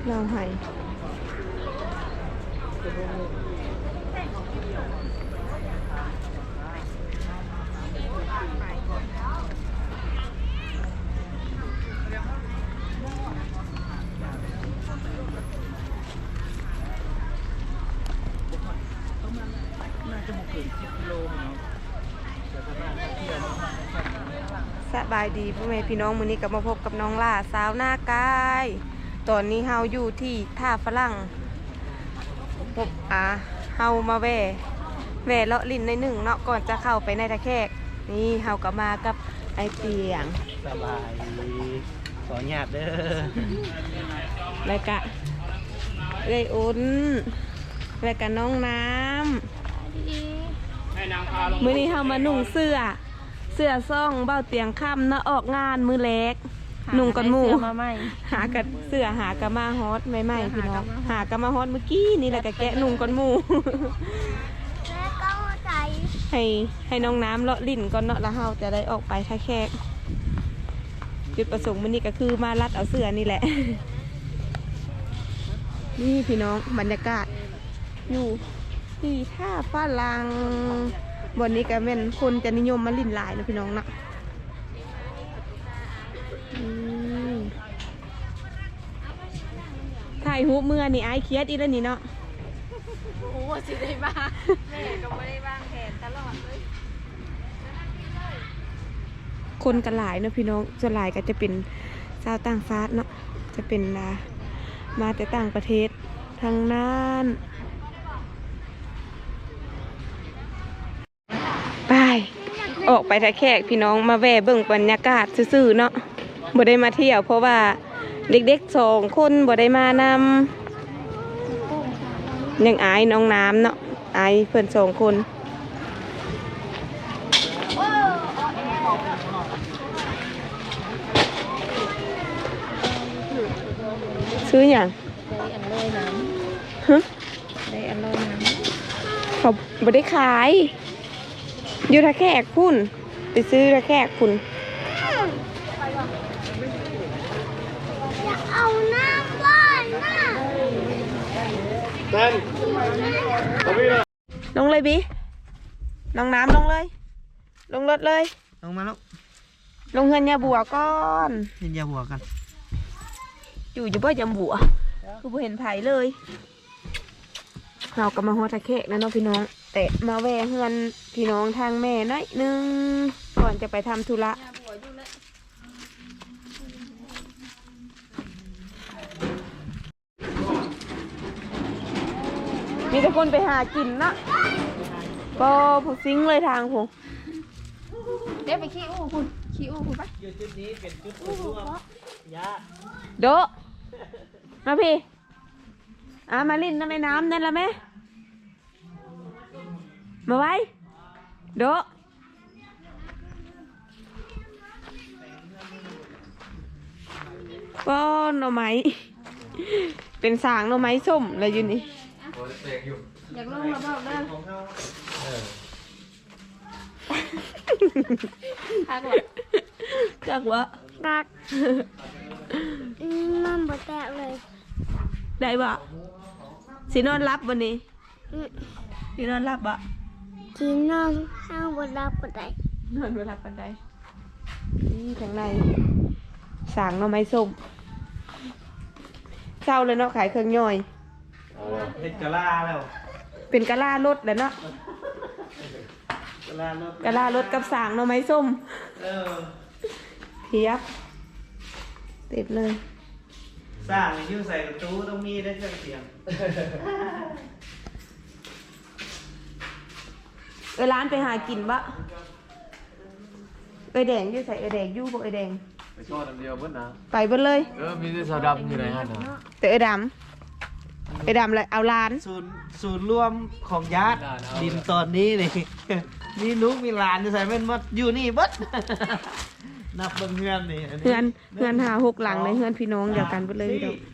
เราให้สบายดีพ่อแม่พี่น้องมื้อนี้ก็มาพบกับน้องล่าสาวหน้ากายตอนนี้เฮาอยู่ที่ท่าฝรั่งเฮามาแว่เลาะลิ้นในหนึ่งเนาะก่อนจะเข้าไปในตะแคกนี่เฮาก็มากับไอเตียงสบายขอหยาบเด้อแล้วก็เอ้ยอุ่นแล้วก็น้องน้ำมื้อนี้เฮามานุ่งเสื้อซ่องเบ้าเตียงค่ำเนาะออกงานมือเล็กนุ่งกันหมู่หากันเสื้อหากะมาฮอตใหม่ๆพี่น้องหากะมาฮอตเมื่อกี้นี่แหละก็แกะนุ่งกันหมู่ให้น้องน้ำเลาะลิ้นก่อนเนาะแล้วเฮาจะได้ออกไปท่าแขกจุดประสงค์มื้อนี้ก็คือมารัดเอาเสื้อนี่แหละนี่พี่น้องบรรยากาศอยู่ที่ท่าฝรั่งวันนี้ก็เป็นคนจะนิยมมาลิ้นหลายนะพี่น้องนะถ่ายหูเมื่อนี่ไอเครียดอีแล้วนี่เนาะโอ้สิได้บ้างแม่ก็ไม่ได้บ้างแผนตลอดเลยคนกันหลายเนาะพี่น้องส่วนหลายก็จะเป็นชาวต่างชาติเนาะจะเป็นมาแต่ต่างประเทศทางนั้นไปออกไปท่าแขกพี่น้องมาแว่เบิ่งบรรยากาศซื่อๆเนาะบ่ได้มาเที่ยวเพราะว่าเด็กๆ2 คนบ่ได้มานำยังอายน้องน้ำเนาะอายเพื่อน2 คนซื้ออย่างได้อันลอยน้ำฮะได้อันลอยน้ำเขาบ่ได้ขายอยู่ท่าแขกพุ่นไปซื้อท่าแขกพุ่นำอยากเอาน้ำบ้านน่ะเต้นลงเลยบิลงน้ำลงเลยลงรถเลยลงมาแล้วลงเฮือนยาบัวก่อนเห็นยาหัวกันอยู่บ่ยำบัวคือบ่เห็นไผเลยเราก็มาฮอดท่าแขกนะเนาะพี่น้องแต่มาแวะเฮือนพี่น้องทางแม่น้อยนึงก่อนจะไปทำธุระมีแต่คนไปหากินนะก็พอซิงเลยทางผมเดี๋ยวไปขี้อู้คุณปะจุดนี้เป็นจุดรวมยาโดมาพี่มาลิ้นในน้ำนั่นละแม่มาไว้โดป้อนหน่อไม้เป็นสางหน่อไม้ส้มอะไรอยู่นี่อยากลงมาบอกเด้อคักวะจักวะคักมันบ่แตกเลยได้บ่สินอนรับวันนี้สินอนรับบ่กินนอนห้างบ่รับบ่ได้นอนบ่รับปานใดนี่ข้างในสางหน่อไม้ส้มเจ้าเลยเนาะขายเครื่องย่อยเป็นกะลาแล้วเป็นกะลารถแล้วเนาะกะลารถกับสางหน่อไม้ส้มเทียบเต็มเลยสร้างยิ้วใส่ประตูต้องมีได้เครื่องเสียงร้านไปหากินบะแดงยิ้วใส่แดงยิ้วบอกแดงไปชอบอันเดียวเบิ้ลนะไปเบิ้ลเลยมีแต่สาวดำอยู่ไหนฮะนะแต่ดำเลยเอาร้านศูนย์รวมของญาติดินตอนนี้นี่มีลูกมีหลานจะใส่เป็นมัดอยู่นี่บัดนับเบิ่งเฮือนนี่เฮือนหา6 หลังในเฮือนพี่น้องเดียวกันไปเลยเดี๋ยว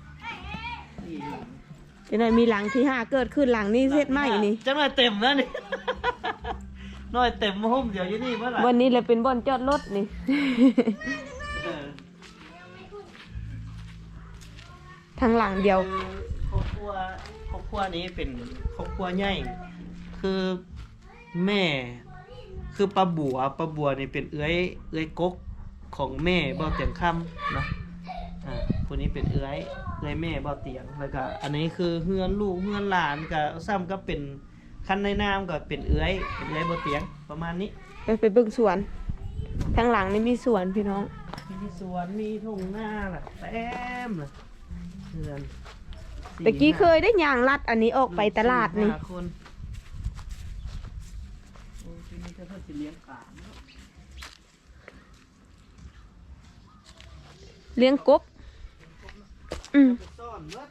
จะหน่อยมีหลังที่5เกิดขึ้นหลังนี้เสร็จไหมนี่จะหน่อยเต็มแล้วนี่หน่อยเต็มมาห้องเดี๋ยวอยู่นี่เมื่อไหร่วันนี้เลยเป็นบ่อนจอดรถนี่ททั้งหลังเดียวครอบครัวนี้เป็นครอบครัวใหญ่คือแม่คือป้าบัวนี่เป็นเอื้อยกกของแม่เบาเตียงค่ำเนาะคนนี้เป็นเอื้อยแม่เบาเตียงแล้วก็อันนี้คือเฮือนลูกเฮือนหลานก็ซ้ำก็เป็นคันในนามก็เป็นเอื้อยเบาเตียงประมาณนี้ไปเบิ่งสวนทั้งหลังนี่มีสวนพี่น้องมีสวนมีทุ่งนาล่ะเต็มเลยเฮือนตะกี้เคยได้ย่างลัดอันนี้ออกไปตลาดนี่ 4-5 คนโอ้ที่นี่ถ้าเพิ่นสิเลี้ยงปลาเนาะเลี้ยงกบไปซ่อนเบิด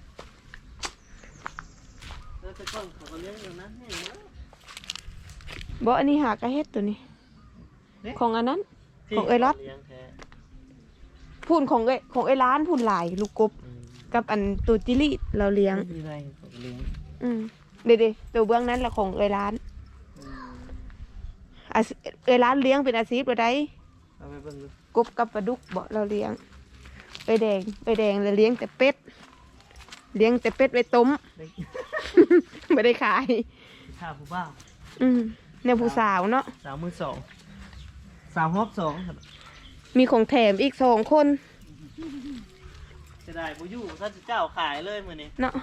แล้วแต่ก่อนเขาก็เลี้ยงอย่างนั้นแห้งเนาะบ่อันนี้หากระเฮ็ดตัวนี้นี่ของอันนั้น ของเอ้ยรัดเลี้ยงแท้พูนของเอ้ยร้านพูนหลายลูกกบอืมกับอันตัวจิลิเราเลี้ยงไม่มีอะไรเขาก็เลี้ยงเด็ดๆตัวเบื้องนั้นแหละของเอ้ยร้านอืมเอ้ยร้านเลี้ยงเป็นอาชีพบ่ได้เอาไปเบิ่งดูกบกับปลาดุกบ่เราเลี้ยงเอ้ยแดงเราเลี้ยงแต่เป็ดเลี้ยงแต่เป็ดไว้ต้มได้ไม่ได้ขายข้าวผู้บ่าวเนี่ยผู้สาวเนาะสาวมือสองสาวฮอบสองครับมีของแถมอีก2 คนจะได้บ่อยู่ถ้าจะเจ้าขายเลยมื้อนี้เนาะ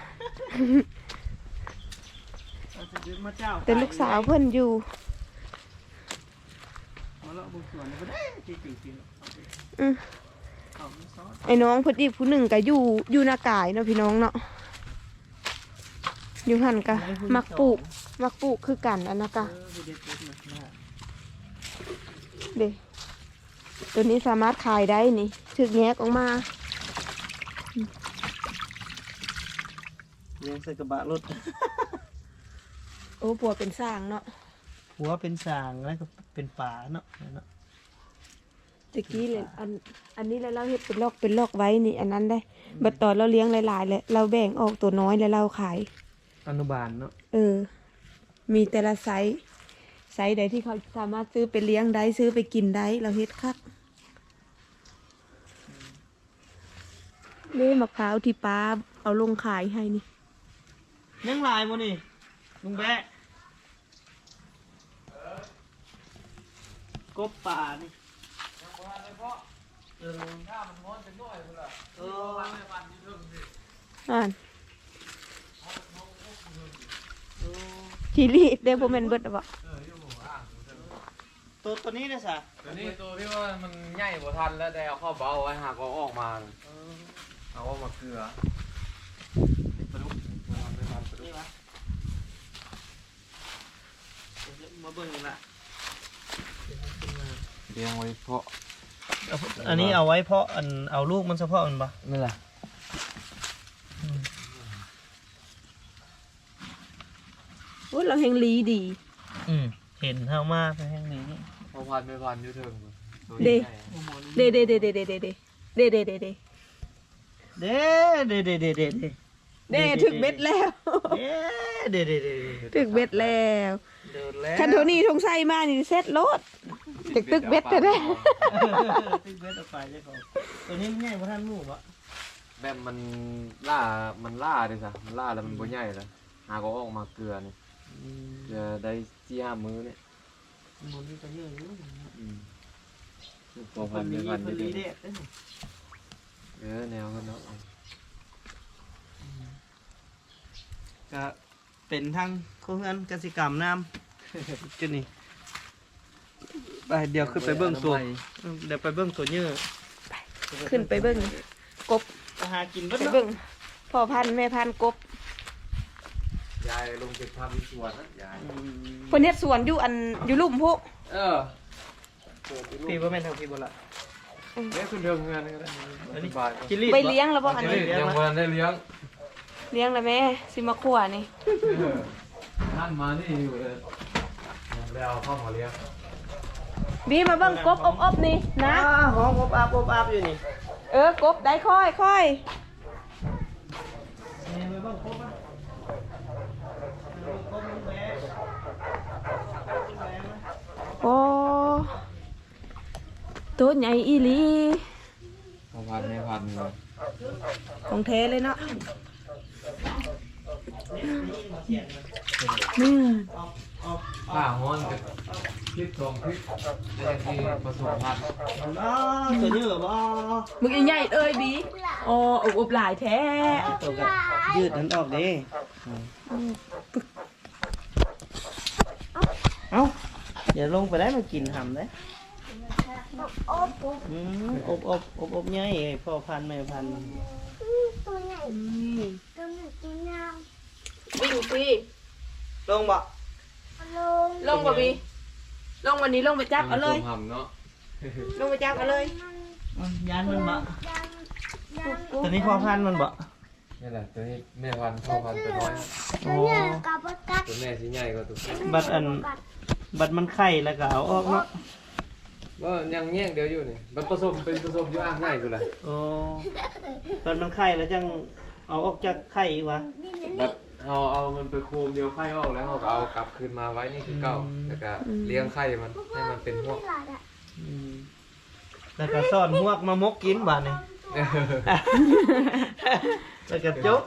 เราจะซื้อมาเจ้าขายแต่ลูกสาวเพิ่นอยู่มาเลาะบนสวนนี่บ่ได้จริงๆเอาไปอืมเอาไม่ซอสไอ้น้องเพิ่นอีกผู้หนึ่งก็อยู่หน้ากายเนาะพี่น้องเนาะอยู่หันกะมักปลูกคือกันอันนะกะไปเด็ดๆนะเด้ตัวนี้สามารถขายได้นี่ถึกแยกออกมาเลี้ยงใส่กระบะรถโอ้ปัวเป็นสร้างเนาะหัวเป็นสางแล้วก็เป็นป่าเนาะตะกี้เลยอันนี้เลยเราเฮ็ดเป็นลอกไว้นี่ อันนั้นได้บัดตอนเราเลี้ยงหลายๆเลยเราแบ่งออกตัวน้อยแล้วเราขายอนุบาลเนาะมีแต่ละไซส์ใดที่เขาสามารถซื้อไปเลี้ยงได้ซื้อไปกินได้เราเฮ็ดคักนี่มะพร้าวที่ป้าเอาลงขายให้นี่ยังลายบ่นี่ลุงแบะกบป่านี่เอออ่านทีรีเด้บ่แม่นเบิดบ่ตัวนี้นะสะตัวนี้ตัวที่ว่ามันใหญ่บ่ทันแล้วได้เอาเข้าเบาไว้หากเอาออกมาเอาออกมาเกลือปลาดุกไม่ทันปลาดุนี่กวะเดี๋ยวมาเบิ่งกันละเลี้ยงไว้เพาะอันนี้เอาไว้เพาะอันเอาลูกมันเฉพาะมันปะนี่แหละโอ้ยเราแฮงลีดีเห็นเท่ามาไปแห่งนี้พอพันไม่พันอยู่เทิงตัวเด้ใหญ่เด้เด้เด้เด้เด้เด้เด้เด้เด้เด้เด้เด้เด้เด้เด้เด้เด้เด้ถึกเบ็ดแล้วเด้เด้เด้ถึกเบ็ดแล้วเดินแล้วคันโทนี่ทงไส้มานี่เซ็ตโลดตึกตึกเบ็ดแต่ได้ตึกเบ็ดออกไปเจ้าของตัวนี้มันใหญ่กว่าท่านหมู่ปะแบบมันล่าดิซะมันล่าแล้วมันบ่ใหญ่แล้วหากเอาออกมาเกลือนี่จะได้4-5 มื้อเนี่ยมันมีตัวเยอะอยู่พอพันไม่พันมัไม่นได้มีเด็ดแนวกันเนาะก็เป็นทางโครงการกสิกรรมน้ำจุดนี้ไปเดี๋ยวขึ้นไปเบื้องตัวเดี๋ยวไปเบื้องตัวเยอะขึ้นไปเบิ่งกบไปหากินเบิ้ไปเบิ่งพ่อพันธุ์แม่พันธุ์กบยายลงเก็บภาพที่สวนนะยายเพิ่นเฮ็ดสวนอยู่อยู่ลุ่มพุพี่ว่าแม่นทางพี่บ่ละเลี้ยงคุณเดิมงานก็ได้สบายจิลี่ไปเลี้ยงแล้วบ่อันนี้ยังวันได้เลี้ยงเลี้ยงแล้วแม่สิมาขัวนี่ท่านมานี่อยู่เลยแล้วเข้ามาเลี้ยงบีมาเบิ่งกบอบๆนี่นะหอมอบอาบอยู่นี่กบได้ค่อยนี่ไปเบิ่งครบอ่ะครบลุงแบะโอ้ตัวใหญ่อีหลีพอพันไม่พันเลยของแท้เลยเนาะนี่ข้าฮ้อนกับพริกทองพริกได้ที่ผสมพันธุ์อ๋อตัวนี้เหรอบ่มึงใหญ่เอ้ยบีอ๋ออบหลายแท้ตัวกับยืดนั้นออกเด้เอ้าเดี๋ยวลงไปได้มากินหำได้อบใหญ่พ่อพันธุ์แม่พันธุ์ตัวใหญ่ตัวหนึ่งตัวยาววิ่งสิลงบ่ลงลงบ่บีลงวันนี้ลงไปจับเอาเลยผสมหำเนาะลงไปจับเอาเลยยานมันบ่ยังยังตัวนี้พ่อพันธุ์มันบ่นี่แหละตัวนี้แม่พันธุ์พ่อพันธุ์ตัวน้อยตัวใหญ่กับปกัดตัวแม่สิใหญ่กว่าตัวบัดมันไข่แล้วก็เอาออกเนาะว่ายังแยกเดียวอยู่นี่มันผสมเป็นผสมอยู่อ่างง่ายกูเลยโอ้บัดมันไข่แล้วจังเอาออกจากไข่อีกวะแบบเอามันไปโคมเดียวไข่ออกแล้วเราก็เอากลับคืนมาไว้นี่คือเก่าแล้วก็เลี้ยงไข่มันให้มันเป็นพวกอืมแล้วก็ซ่อนหวกมามกกินบาดนี่ แล้วก็จบ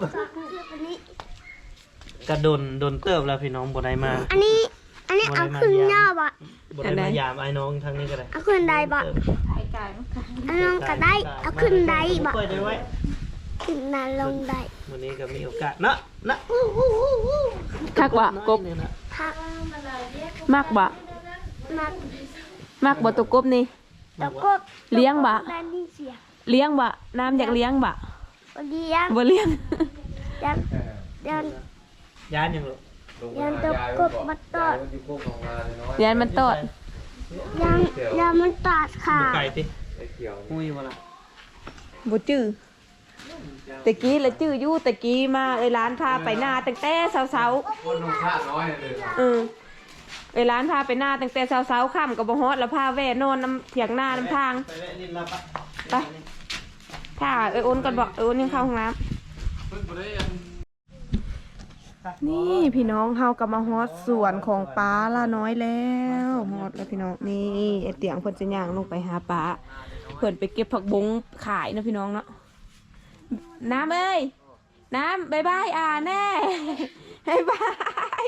กระดนเติบแล้วพี่น้องบ่ได้มาอันนี้เอาขึ้นยอดบ่บ่ได้มายามไอ้น้องทางนี้ก็ได้เอาขึ้นได้บ่เอาลงก็ได้เอาขึ้นได้บ่ค่อยได้ไว้ขึ้นได้ลงได้วันนี้ก็มีโอกาสนะคักบ่กบเนี่ยนะพักมากบ่มามากบ่ตัวกบนี่แล้วก็เลี้ยงบ่ได้ยินเสียงเลี้ยงบ่น้ำอยากเลี้ยงบ่เลี้ยงบ่เลี้ยงยันยันยานยังลูกยันตัวกบมาตอดอยู่โคกของนาน้อยยานมันตอดยันมันตอดขาไก่ติไอ้เขียวหุ้ยบ่ล่ะบ่จื้อตะกี้ละจื้ออยู่ตะกี้มาร้านพาไปหน้าตั้งแต่เช้าคนนุ่งผ้าน้อยเลยๆร้านพาไปหน้าตั้งแต่เช้าๆค่ำก็บ่ฮอดแล้วพาแว่นอนน้ำเถียงหน้าน้ำทางไปแวะลิ้นลับปะไปถ้าอ้นก่อนบอกอ้นยังเข้าห้องน้เพิ่นบ่ได้อันำนี่พี่น้องเฮากลับมาฮอดสวนของป้าละน้อยแล้วฮอดแล้วพี่น้องนี่ไอ้เตียงเพิ่นจะย่างลงไปหาป้าเพิ่นไปเก็บผักบงขายนะพี่น้องเนาะน้ำเอ้ยน้ำบายบายแน่บายบาย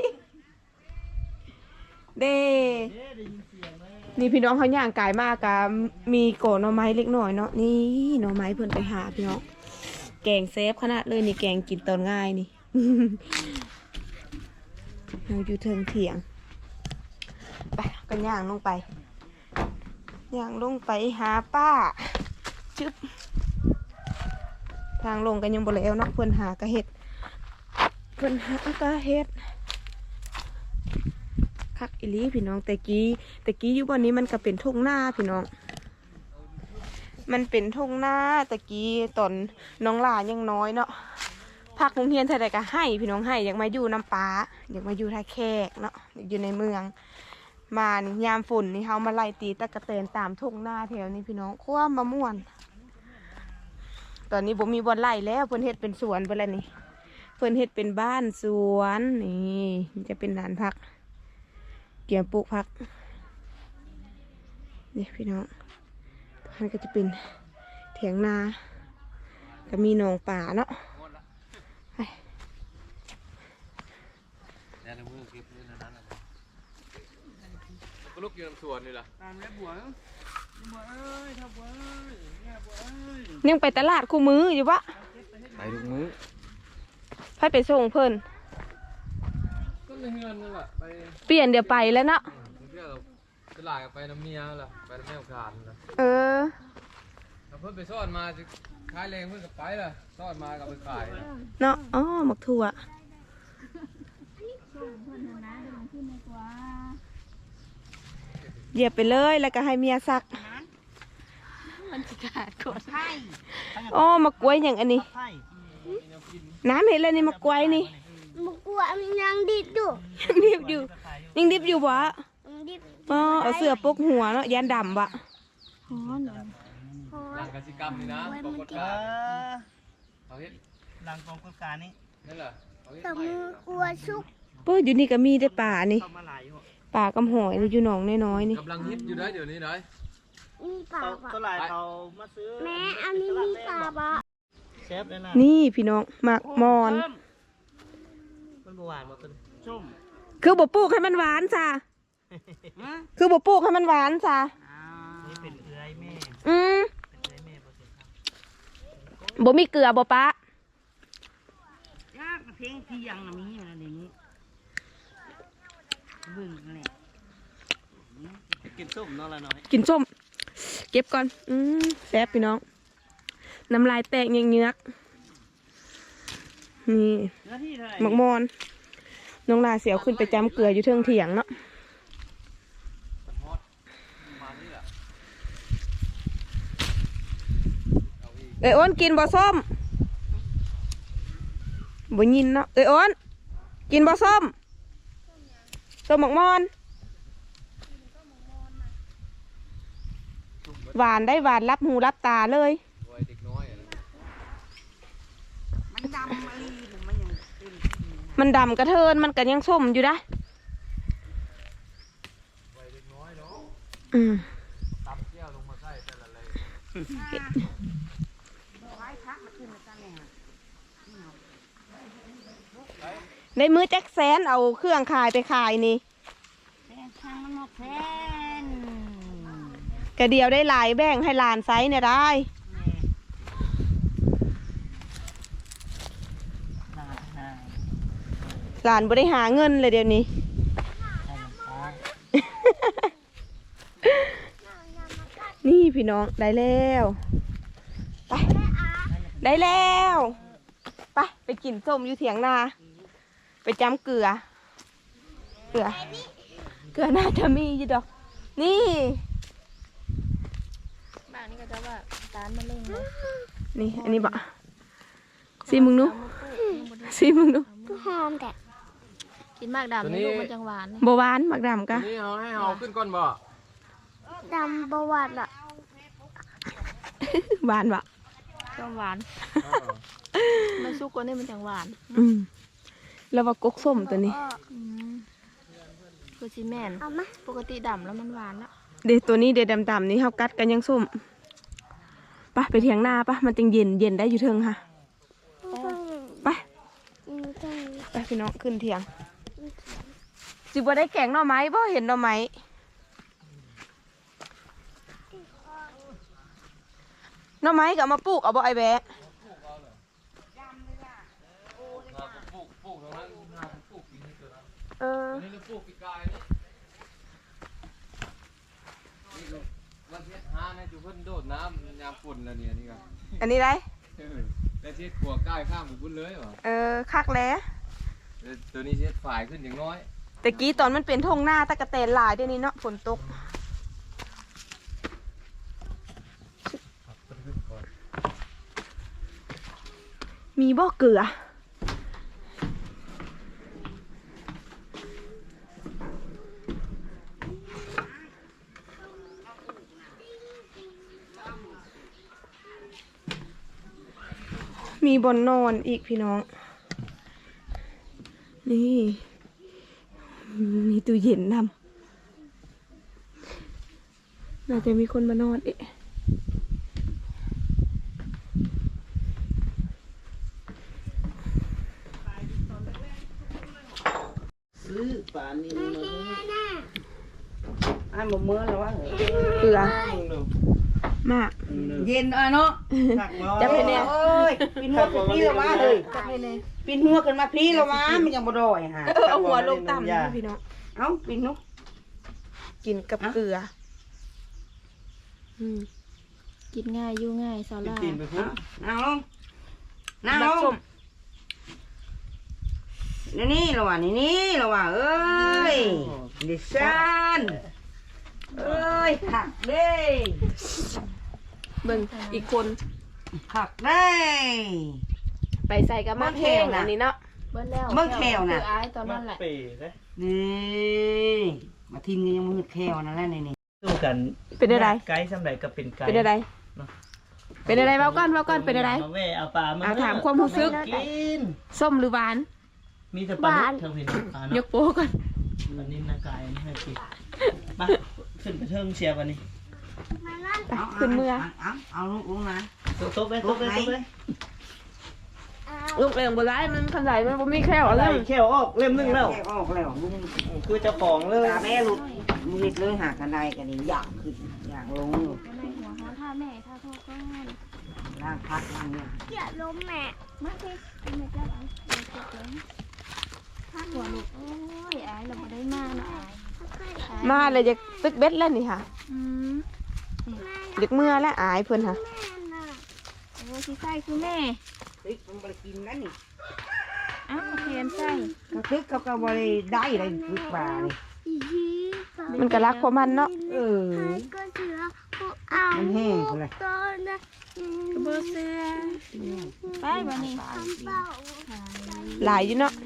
เด้นี่พี่น้องเขาย่างกายมากกับมีโกหน่อไม้เล็กหน่อยเนาะนี่หน่อไม้เพิ่นไปหาพี่น้องแกงเซฟขนาดเลยนี่แกงกินตอนง่ายนี่ เราอยู่เทิงเถียงไปกันย่างลงไปย่างลงไปหาป้าชึบทางลงกันยังบ่แล้วเนาะเพิ่นหากระเห็ดคักอีหลีพี่น้องแต่กี้อยู่บนนี้มันก็เป็นทุ่งนาพี่น้องมันเป็นทุ่งนาตะกี้ตอนน้องหลายังน้อยเนาะพักโรงเรียนเท่าใดก็ให้พี่น้องให้อยากมาอยู่น้ำป้าอยากมาอยู่ท่าแขกเนาะอยากอยู่ในเมืองมานี่ยามฝนนี่เฮามาไล่ตีตะกะแตนตามทุ่งนาแถวนี้พี่น้องคว้ามะม่วนตอนนี้บ่มีบ่อนไล่แล้วเพิ่นเฮ็ดเป็นสวนไปแล้วนี่เพิ่นเฮ็ดเป็นบ้านสวนนี่มันจะเป็นลานพักเกี่ยวปลูกพักนี่พี่น้องมันก็จะเป็นเถียงนาก็มีหนองป่าเนาะเนี่ยในมือเก็บนี่นั้นน่ะก็ลุกอยู่ในสวนนี่ล่ะตามแล้วบัวเอ้ยทับบัวเอ้ยเนี่ยบัวเอ้ยยังไปตลาดคู่มืออยู่ปะไปทุกมื้อไปส่งเพิ่นก็ในเฮือนนั่นแหละไปเปลี่ยนเดี๋ยวไปแล้วเนาะเที่ยวตลาดกับไปน้ำเมียล่ะไปน้ำแม่ขานนะเออแล้วเพิ่นไปซ่อนมาจะขายแรงเพิ่นก็ไปล่ะซ่อนมาก็ไปขายนะเนาะอ๋อหมักถั่วเหยียบไปเลยแล้วก็ให้เมียซักมันจะขาดกดให้อ๋อมากล้วยอย่างอันนี้ไผ่น้ำเห็นแล้วนี่มากล้วยนี่มันกลัวมันยังดิบอยู่ยังดิบอยู่ยังดิบอยู่วะมันดิบอ๋อเอาเสื้อปกหัวเนาะยันดำวะฮ้อนฮ้อหลันงกสิกรรมนี่นะปรากฏเอการณ์อเขาเฮ็ดหลังกองกฎการนี้นั่นแหละเขาเฮ็ดแต่ใหม่มือกลัวชุกเปิ้อยู่นี่ก็มีได้ป่านี่เข้ามาหลายอยู่ป่ากำหอยอยู่หนองน้อยๆนี่กำลังฮิตอยู่ได้เดี๋ยวนี้นะมีปลาเขาปะตัวหลายเขามาซื้อแม่อันนี้มีปลาปะซ่บเลยล่ะนี่พี่น้องหมักมอนมันบ่หวานบ่ต้นส้มคือบ่ปลูกให้มันหวานจ้ะคือบ่ปลูกให้มันหวานจ้ะนี่เป็นเอื้อยแม่อืมเป็นเอื้อยแม่บ่เสียครับบ่มีเกลือบ่ปะยากเพลงที่ยังมีอยู่ในนี้เบิ่งนั่นแหละกินส้มเนาะละน้อยกินส้ม เก็บก่อนแซ่บพี่น้องน้ำลายแตกเยือกๆนี่เนื้อที่เท่าไหร่หมักมอนน้องลาเสียวขึ้นไปจำเกลืออยู่เทิงเถียงเนาะ เอ้ยอ้นกินบ่ส้มบ่ยินเนาะเอ้ยอ้นกินบ่ส้มส้มหมักมอนหวานได้หวานรับหูรับตาเลยวัยเด็กน้อยอะนะมันดำมาลีหรือมันยังเป็นมันดำกระเทินมันก็ยังส้มอยู่ได้วัยเด็กน้อยเนาะอืมตำแก้วลงมาใส่แต่ละเลยไว้พักมาขึ้นมาตั้งแน่ได้มือแจ็คแซนเอาเครื่องขายไปขายนี่แฟนทางมันหมดแฟนกระเดียวได้หลายแบ่งให้หลานไซส์เนี่ยได้ หลานบ่ได้หาเงินเลยเดี๋ยวนี้ นี่พี่น้องได้แล้วไปได้แล้วไปกินส้มอยู่เถียงนาไปจำเกลือน่าจะมีอยู่ดอก นี่บางนี่ก็จะว่าตานมาเล่งเลยนี่อันนี้บะซีมึงดูซีมึงดูหอมแต่กินมากดำนี่ลูกมันจังหวานนี่บหวานหมักดำกะนี่เอาให้เอาขึ้นก่อนบ่ดำบหวานล่ะหวานบะจังหวานมันซุกกว่านี่มันจังหวานแล้วว่ากกส้มตัวนี้คือซีแมนปกติดำแล้วมันหวานละเดี๋ยวตัวนี้เดี๋ยวดำๆนี่เฮากัดกันยังส้มไปเถียงนามันจึงเย็นได้อยู่เทิงค่ะไปพี่น้องขึ้นเถียงสิบ่ได้แกงหน่อไม้บ่เห็นหน่อไม้หน่อไม้ก็เอามาปลูกเอาบ่ไอ้แบะปลูกตรงนั้นปลูกปีนี้เกิดแล้ว นี่เราปลูกปีกายนี่วันที่ห้าเนี่ยจุเพิ่นโดดน้ำยามฝนแล้วเนี่ยนี่ก็อันนี้ได้แล้วที่ขัวกายข้ามไปพุ่นเลยเหรอคักแล้วตัวนี้เช็ดฝ่ายขึ้นอย่างน้อยแต่กี้ตอนมันเป็นทงหน้าตะกะแตนหลายเดี๋ยวนี้เนาะฝนตกมีบ่เกลือมีบนนอนอีกพี่น้อง นี่มีตู้เย็นทำน่าจะมีคนมานอนเอ๊ะซื้อปานนี้มาเลยอันบ่เมื่อแล้ววะเกลือดูมากเย็นอ่ะเนาะตักบ่จะเป็นแนวเอ้ยปีนหัวขึ้นพี่แล้ววะเลยปีนหัวขึ้นมาพี่แล้ววะมันยังบ่ดอยฮะเอาหัวลงต่ำนะพี่น้องเอ้าปีนนุ๊กกินกับเกลือกินง่ายอยู่ง่ายสาเป็นลาตีนไปพุ่นนั่งลงนั่งลบักส้งมนี่แล้ววะนี่แล้ววะเอ้ยดิฉันเอ้ยขักเด้เบิ่งอีกคนขักได้ไปใส่กับมะเพงอันนี้เนาะเบิ้ลแล้วเบิ่งแขวน่ะคืออายตอนมานั้นแหละเป๋เด้นี่มาทินกันยังมืดแควนั่นแหละนี่สู้กันเป็นอะไรไกด์สำใดก็เป็นไกด์เป็นอะไร เป็นอะไรเว้าก่อนเป็นอะไรมาแว่เอาปลามาเอาถามความรู้สึกกินส้มหรือหวานมีแต่ปลาดุกเท่าเห็นปลายกโป้ก่อนอันนี้นากายนี่ให้กินมาขึ้นไปเทิงเชียร์วันนี้ไปขึ้นเมื่อเอาลูกลงนะตบเลยลูกเองบ่ได้มันขนาดมันบ่มีแค่อะไรเรื่องแค่ออกเล่มหนึงแล้วแค่ออกแล้วลุงคือเจ้าของเลยตาแม่หลุดมืดเลยหากันได้กันนี่อยากขึ้นอยากลงอยู่ในหัวเขาท่าแม่ท่าโทษก็ให้ล่างพักล่างเนี่ยอย่าล้มแม่มาสิเป็นแม่เจ้าเอาเดี๋ยวจบเลยท่าหัวลูกโอ้ยอายเราไม่ได้มาเนาะอายมาเลยจะตึกเบ็ดแล้วนี่ค่ะอืมเด็กเมื่อและอายเพิ่นค่ะโอ้ที่ใส่คือแม่ติ๊กมันบริกินนั่นนี่อ้าวเทียนใส่กระตึกเขาก็บริได้เลยฝึกป่านี่มันก็รักของมันเนาะเออมันแห้งเลยกระเบื้องเสื้อไปวันนี้หลายอยู่เนาะ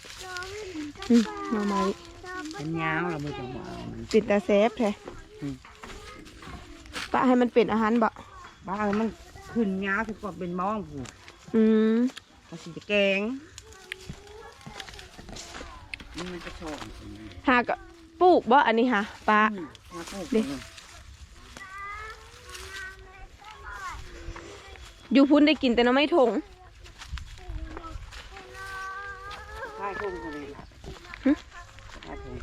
มาใหม่มันยาวเราไม่ต้องเอามันติดตาเซฟแท้ปะให้มันเป็นอาหารบ่บ้ามันขึ้นยาวคือก็เป็นมองผูอืมก็สิจะแกงมันจะชอบหากะปลูกบ่อันนี้ค่ะปลา ดิ อยู่พุ่นได้กินแต่น้ำไม่ถงใช่ทุ่งเขาเลยล่ะหึใช่ทุ่ง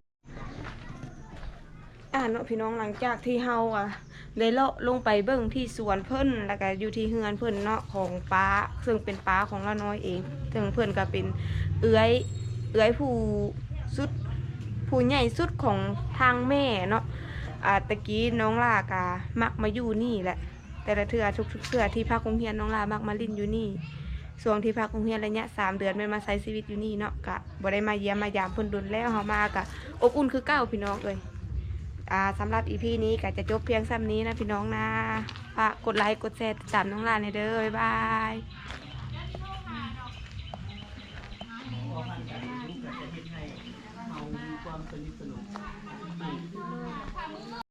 เนาะพี่น้องหลังจากที่เฮาได้เลาะลงไปเบิ่งที่สวนเพิ่นแล้วก็อยู่ที่เฮือนเพิ่นเนาะของป้าซึ่งเป็นป้าของละน้อยเองซึ่งเพิ่นก็เป็นเอื้อยผู้สุดผู้ใหญ่สุดของทางแม่เนาะตะกี้น้องลากามักมาอยู่นี่แหละ แต่ละเทื่อทุกๆเทื่อที่พักโรงเรียนน้องลามักมาลิ้นอยู่นี่ช่วงที่พักโรงเรียนระยะ3 เดือนแม่นมาใช้ชีวิตอยู่นี่เนาะกะบ่ได้มาเยี่ยมมายามเพิ่นดนแล้วเฮามากะอบอุ่นคือเก่าพี่น้องเอ้ยสำหรับอีพีนี้ก็จะจบเพียงซ้ำนี้นะพี่น้องนะฝากกดไลค์กดแชร์ติดตามน้องลาในเด้อบ๊ายบาย